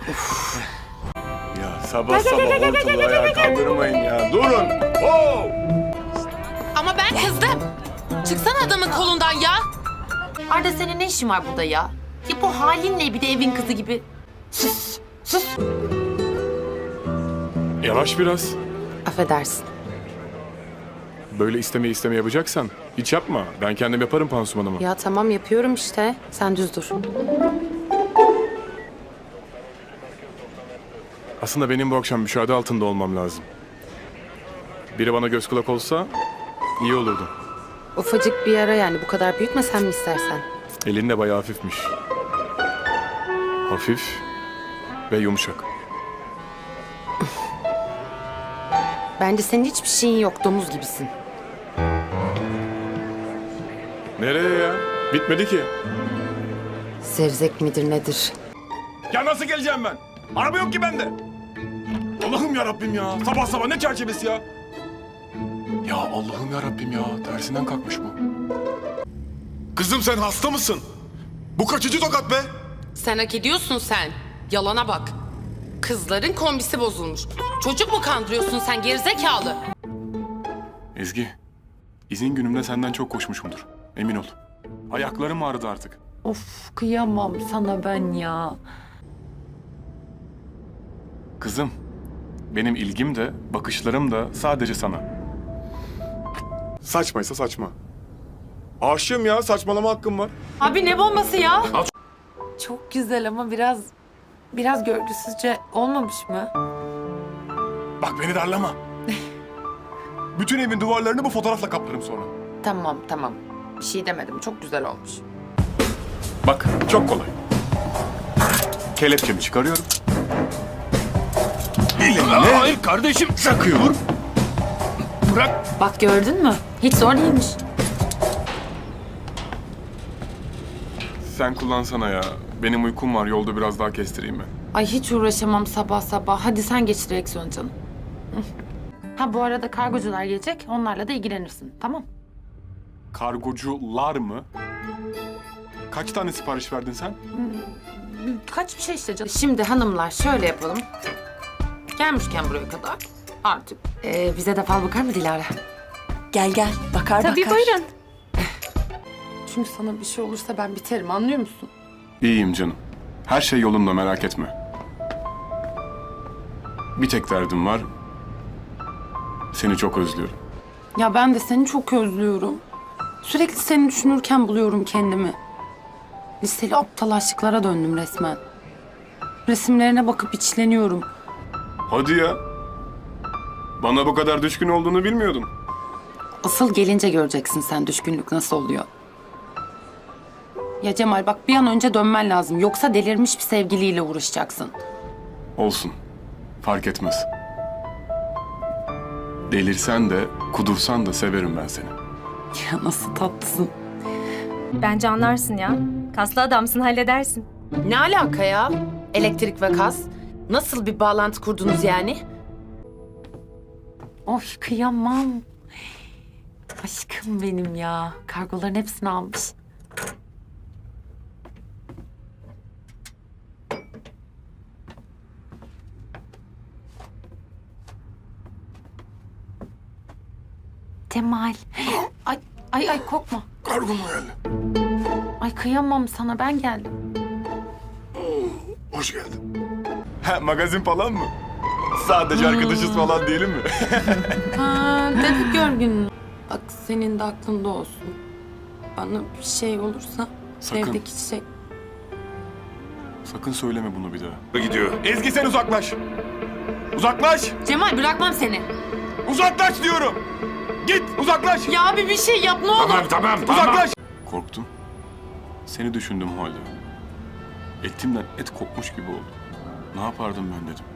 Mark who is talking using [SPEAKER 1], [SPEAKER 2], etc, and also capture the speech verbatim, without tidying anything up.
[SPEAKER 1] Ya sabah sabah ortalığı ayağa kaldırmayın ya. Durun. Oo!
[SPEAKER 2] Ama ben kızdım. Çıksana adamın kolundan ya. Arda senin ne işin var burada ya? Ya bu halinle bir de evin kızı gibi. Sus, sus.
[SPEAKER 1] Yavaş biraz.
[SPEAKER 2] Affedersin.
[SPEAKER 1] Böyle isteme isteme yapacaksan hiç yapma. Ben kendim yaparım pansumanımı.
[SPEAKER 2] Ya tamam yapıyorum işte. Sen düz dur.
[SPEAKER 1] Aslında benim bu akşam müşahede altında olmam lazım. Biri bana göz kulak olsa iyi olurdu.
[SPEAKER 2] Ufacık bir yara yani. Bu kadar büyütme sen mi istersen?
[SPEAKER 1] Elin de bayağı hafifmiş. Hafif ve yumuşak.
[SPEAKER 2] Bence senin hiçbir şeyin yok. Domuz gibisin.
[SPEAKER 1] Nereye ya? Bitmedi ki.
[SPEAKER 2] Zevzek midir nedir?
[SPEAKER 1] Ya nasıl geleceğim ben? Araba yok ki bende. Allah'ım ya Rabbim ya. Sabah sabah ne çerçevesi ya? Ya Allah'ım ya Rabbim ya. Tersinden kalkmış bu.
[SPEAKER 3] Kızım sen hasta mısın? Bu kaçıcı tokat be?
[SPEAKER 2] Sen hak ediyorsun sen. Yalana bak. Kızların kombisi bozulmuş. Çocuk mu kandırıyorsun sen gerizekalı?
[SPEAKER 1] Ezgi, izin günümde senden çok koşmuşumdur. Emin ol. Ayaklarım ağrıdı artık.
[SPEAKER 4] Of kıyamam sana ben ya.
[SPEAKER 1] Kızım, benim ilgim de, bakışlarım da sadece sana. Saçmaysa saçma. Aşığım ya, saçmalama hakkım var.
[SPEAKER 4] Abi ne bombası ya? Çok güzel ama biraz biraz görgüsüzce olmamış mı?
[SPEAKER 1] Bak beni darlama. Bütün evin duvarlarını bu fotoğrafla kaplarım sonra.
[SPEAKER 4] Tamam tamam. Bir şey demedim. Çok güzel olmuş.
[SPEAKER 1] Bak, çok kolay. Kelepçemi çıkarıyorum. Elimle
[SPEAKER 3] Hayır kardeşim.
[SPEAKER 1] takıyorum.
[SPEAKER 3] Bırak.
[SPEAKER 4] Bak gördün mü? Hiç zor değilmiş.
[SPEAKER 1] Sen kullansana ya. Benim uykum var, yolda biraz daha kestireyim mi?
[SPEAKER 4] Ay hiç uğraşamam sabah sabah. Hadi sen geç direksiyon canım. Hı. Ha bu arada kargocular gelecek. Onlarla da ilgilenirsin. Tamam.
[SPEAKER 1] Kargocular mı? Kaç tane sipariş verdin sen?
[SPEAKER 4] Kaç bir şey işte canım. Şimdi hanımlar şöyle yapalım. Gelmişken buraya kadar artık. Ee, bize de fal bakar mı Dilara?
[SPEAKER 5] Gel gel bakar
[SPEAKER 4] Tabii
[SPEAKER 5] bakar.
[SPEAKER 4] buyurun. Çünkü sana bir şey olursa ben biterim anlıyor musun?
[SPEAKER 1] İyiyim canım. Her şey yolunda, merak etme. Bir tek derdim var. Seni çok özlüyorum.
[SPEAKER 4] Ya ben de seni çok özlüyorum. Sürekli seni düşünürken buluyorum kendimi. Liseli aptal aşıklara döndüm resmen. Resimlerine bakıp içleniyorum.
[SPEAKER 1] Hadi ya. Bana bu kadar düşkün olduğunu bilmiyordum.
[SPEAKER 4] Asıl gelince göreceksin sen düşkünlük nasıl oluyor. Ya Cemal bak bir an önce dönmen lazım. Yoksa delirmiş bir sevgiliyle uğraşacaksın.
[SPEAKER 1] Olsun. Fark etmez. Delirsen de, kudursan da severim ben seni.
[SPEAKER 4] Ya nasıl tatlısın.
[SPEAKER 5] Bence anlarsın ya. Kaslı adamsın halledersin.
[SPEAKER 2] Ne alaka ya? Elektrik ve gaz. Nasıl bir bağlantı kurdunuz yani?
[SPEAKER 4] Oy kıyamam. Aşkım benim ya. Kargoların hepsini almış. Cemal. Ay ay ay korkma.
[SPEAKER 3] Kargo mu geldi?
[SPEAKER 4] Ay kıyamam sana ben geldim.
[SPEAKER 3] Hoş geldin.
[SPEAKER 1] Ha, magazin falan mı? Sadece arkadaşız falan değilim mi?
[SPEAKER 4] Ha, dedik görgün. Bak senin de aklında olsun. Bana bir şey olursa
[SPEAKER 1] Sakın.
[SPEAKER 4] evdeki çiçek.
[SPEAKER 1] Sakın söyleme bunu bir daha.
[SPEAKER 3] Gidiyor.
[SPEAKER 1] Ezgi sen uzaklaş. Uzaklaş.
[SPEAKER 4] Cemal bırakmam seni.
[SPEAKER 1] Uzaklaş diyorum. Git uzaklaş.
[SPEAKER 4] Ya abi bir şey yap ne olur.
[SPEAKER 3] Tamam tamam tamam.
[SPEAKER 1] Uzaklaş. Korktum. Seni düşündüm o halde. Etimden et kopmuş gibi oldu. Ne yapardım ben dedim.